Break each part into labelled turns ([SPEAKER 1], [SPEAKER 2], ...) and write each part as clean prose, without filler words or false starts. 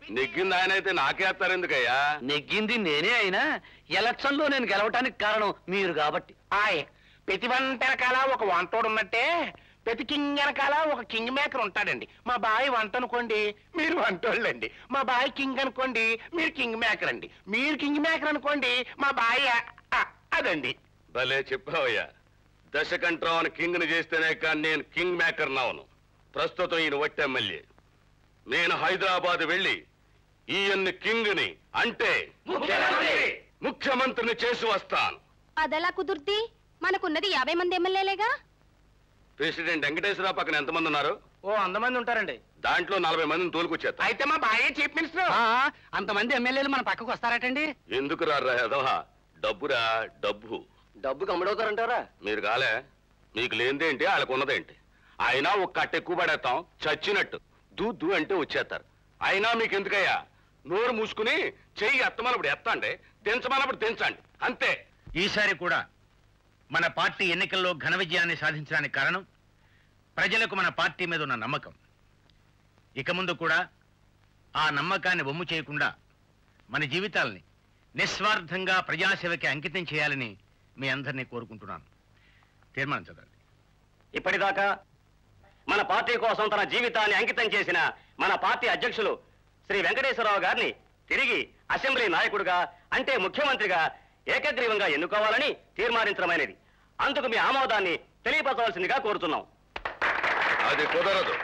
[SPEAKER 1] నెగ్గింది ఆయన అయితే నాకేస్తారు ఎందుకయ్యా?
[SPEAKER 2] నెగ్గింది నేనే అయినా ఎలక్షన్ లో నేను గెలవటానికి కారణం మీరు కాబట్టి.
[SPEAKER 3] ప్రతి వంట వెనకాల ఒక వంటోడు ఉన్నట్టే ప్రతి కింగ్ వెనకాల ఒక కింగ్ మేకర్ ఉంటాడండి. మా బాయ్ వంట అనుకోండి, మీరు వంటోళ్ళండి. మా బాయ్ కింగ్ అనుకోండి, మీరు కింగ్ మేకర్ అండి. మీరు కింగ్ మేకర్ అనుకోండి, మా బాయ్ అదండి.
[SPEAKER 1] భలే చెప్పావయ్యా. దశకంఠరావుని కింగ్ ని చేస్తేనే కానీ నేను కింగ్ మేకర్ నావను. ప్రస్తుతం ఈయన వట్టి ఎమ్మెల్యే. నేను హైదరాబాద్ వెళ్ళి ఈయన్ని కింగ్ ని అంటే ముఖ్యమంత్రిని చేసి వస్తాను.
[SPEAKER 4] అదెలా కుదుర్తి? మనకున్నది 50 మంది ఎమ్మెల్యేలేగా.
[SPEAKER 1] ప్రెసిడెంట్ వెంకటేశ్వరరావు పక్కన ఎంతమంది ఉన్నారు?
[SPEAKER 2] ఓ 100 మంది ఉంటారండి.
[SPEAKER 1] దాంట్లో 40 మందిని తోలుకొచ్చేస్తా.
[SPEAKER 3] అయితే మా బాయ్ చీఫ్ మినిస్టర్.
[SPEAKER 2] అంతమంది ఎమ్మెల్యేలు మన పక్కకు వస్తారటండి.
[SPEAKER 1] ఎందుకు రారా ఎదవా? డబ్బురా డబ్బు.
[SPEAKER 2] డబ్బుకి అమ్ముడవుతారంటారా?
[SPEAKER 1] మీరు కాలే, మీకు లేనిదేంటి వాళ్ళకున్నదేంటి? అయినా ఒక కట్ట ఎక్కువ పడేస్తాం చచ్చినట్టు. దూ అంటే వచ్చేస్తారు. అయినా మీకు ఎందుకయ్యా? నోరు మూసుకుని చెయ్యి ఎత్తమన్నప్పుడు ఎత్తండి, దించమన్నప్పుడు దించండి, అంతే.
[SPEAKER 5] ఈసారి కూడా మన పార్టీ ఎన్నికల్లో ఘన విజయాన్ని సాధించడానికి కారణం ప్రజలకు మన పార్టీ మీద ఉన్న నమ్మకం. ఇక ముందు కూడా ఆ నమ్మకాన్ని వమ్ము చేయకుండా మన జీవితాల్ని నిస్వార్థంగా ప్రజాసేవకి అంకితం చేయాలని మీ అందరినీ కోరుకుంటున్నాను. తీర్మానం చదవండి.
[SPEAKER 2] ఇప్పటిదాకా మన పార్టీ కోసం తన జీవితాన్ని అంకితం చేసిన మన పార్టీ అధ్యక్షులు శ్రీ వెంకటేశ్వరరావు గారిని తిరిగి అసెంబ్లీ నాయకుడిగా అంటే ముఖ్యమంత్రిగా ఏకగ్రీవంగా ఎన్నుకోవాలని తీర్మానించడమైనది. అందుకు మీ ఆమోదాన్ని తెలియపరచవలసిందిగా కోరుతున్నాం.
[SPEAKER 1] అది కుదరదు.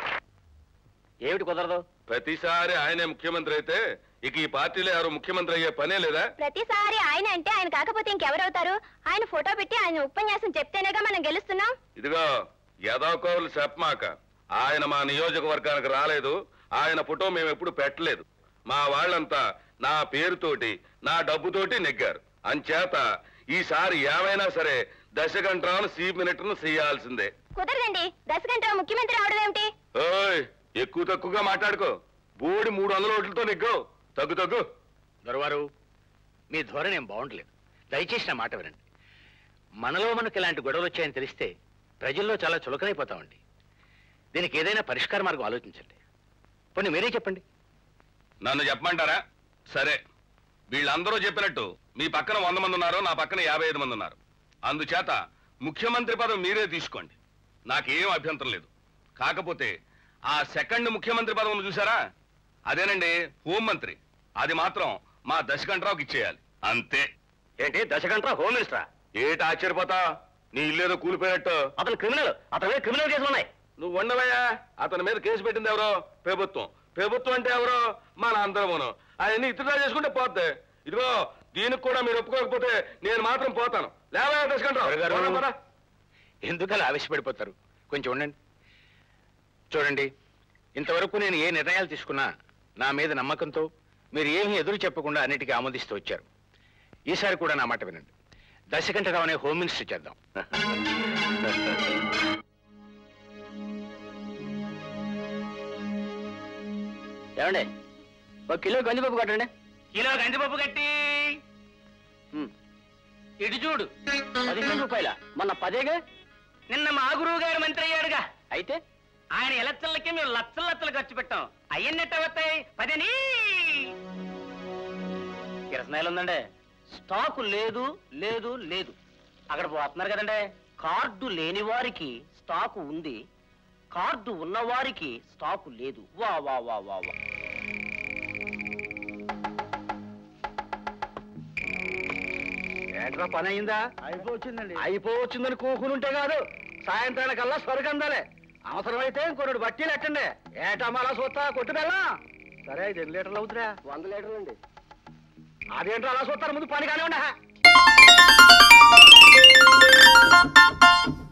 [SPEAKER 2] ఏమిటి కుదరదు?
[SPEAKER 1] ప్రతిసారి ఆయనే ముఖ్యమంత్రి అయితే ఇక ఈ పార్టీలో ఎవరు ముఖ్యమంత్రి అయ్యే పనే లేదా?
[SPEAKER 4] ప్రతిసారి ఆయన అంటే ఆయన కాకపోతే ఇంకెవరవుతారు? ఆయన ఫోటో పెట్టి ఆయన ఉపన్యాసం చెప్తేనేగా మనం గెలుస్తున్నాం.
[SPEAKER 1] ఇదిగో యదాకోవులు చెప్పమాక. ఆయన మా నియోజకవర్గానికి రాలేదు. ఆయన ఫోటో మేము ఎప్పుడు పెట్టలేదు. మా వాళ్ళంతా నా పేరుతోటి నా డబ్బుతోటి నెగ్గారు. అంచేత ఈసారి ఏమైనా సరే దశకంఠరావును చీఫ్ మినిస్టర్ను చేయాల్సిందే.
[SPEAKER 4] కుదరదండి. దశకంఠరావు ముఖ్యమంత్రి అవడం ఏమిటి?
[SPEAKER 1] ఓయ్, ఎక్కువ తక్కువగా మాట్లాడుకో. బోడి 300 ఓట్లతో నెగ్గు. తగ్గు.
[SPEAKER 5] దొరవారు, మీ ధోరణి ఏం బాగుండలేదు. దయచేసి నా మాట వినండి. మనలో మనకు ఇలాంటి గొడవలు వచ్చాయని తెలిస్తే ప్రజల్లో చాలా చులకనైపోతామండి. దీనికి ఏదైనా పరిష్కార మార్గం ఆలోచించండి. పోనీ మీరే చెప్పండి.
[SPEAKER 1] నన్ను చెప్పమంటారా? సరే, వీళ్ళందరూ చెప్పినట్టు మీ పక్కన 100 మంది ఉన్నారు, నా పక్కన 55 మంది ఉన్నారు. అందుచేత ముఖ్యమంత్రి పదవి మీరే తీసుకోండి. నాకేం అభ్యంతరం లేదు. కాకపోతే ఆ సెకండ్ ముఖ్యమంత్రి పదవిని చూసారా? అదేనండి హోంమంత్రి. అది మాత్రం మా దశకంఠరావుకి ఇచ్చేయాలి, అంతే.
[SPEAKER 2] ఏంటి దశకంఠరావు హోమ్ మినిస్టరా?
[SPEAKER 1] ఏటి ఆశ్చర్యపోతా? నీ ఇల్లేదో కూలిపోయినట్టు.
[SPEAKER 2] అతను క్రిమినల్. అతని మీద క్రిమినల్ కేసులు ఉన్నాయి.
[SPEAKER 1] నువ్వు ఉండవయ్యా. అతని మీద కేసు పెట్టింది ఎవరో? ప్రభుత్వం. ప్రభుత్వం అంటే ఎవరో? మన అందరమును. అవన్నీ ఇతరులా చేసుకుంటే పోద్ది. ఇదిగో దీనికి కూడా మీరు ఒప్పుకోకపోతే నేను మాత్రం పోతాను. లేవయ్యా దశకంఠరావు.
[SPEAKER 5] ఎందుకలా ఆవేశపడిపోతారు? కొంచెం ఉండండి. చూడండి, ఇంతవరకు నేను ఏ నిర్ణయాలు తీసుకున్నా నా మీద నమ్మకంతో మీరు ఏమీ ఎదురు చెప్పకుండా అన్నిటికీ ఆమోదిస్తూ వచ్చారు. ఈసారి కూడా నా మాట వినండి. దశకంఠరావు అనే హోమ్ మినిస్టర్ చేద్దాం.
[SPEAKER 2] ఏమండి, 1 కిలో గంజిపప్పు కట్టండి.
[SPEAKER 3] కిలో గంజిపప్పు కట్టి ఇటు చూడు.
[SPEAKER 2] 15 రూపాయల? మొన్న 10గా.
[SPEAKER 3] నిన్న మా గురువు గారు మంత్రి అయ్యాడుగా.
[SPEAKER 2] అయితే
[SPEAKER 3] ఆయన ఎలక్షన్లకి మేము లక్షలు ఖర్చు పెట్టాం. అయ్యన్నట్టు అవుతాయి 10.
[SPEAKER 2] కిరసనాయలు ఉందండి. స్టాకు లేదు లేదు లేదు. అక్కడ పోతున్నారు కదండి. కార్డు లేని వారికి స్టాకు ఉంది, కార్డు ఉన్నవారికి స్టాకు లేదు. వా వా వా వా వా.
[SPEAKER 3] ఏంట్రా పని అయిందా?
[SPEAKER 2] అయిపోవచ్చిందండి.
[SPEAKER 3] అయిపోవచ్చిందని కూకునుంటే కాదు, సాయంత్రానికల్లా స్వర్గందాలే. అవసరమైతే ఇంకొన్ని బట్టీలు ఎట్టండి. ఏటమ్మాలా చూస్తా కొట్టు బెల్లం. సరే 5 లీటర్లు అవుతురా?
[SPEAKER 2] 100 లీటర్లు అండి.
[SPEAKER 3] అదేంటో అలా చూస్తారు, ముందు పని కానివ్వండి.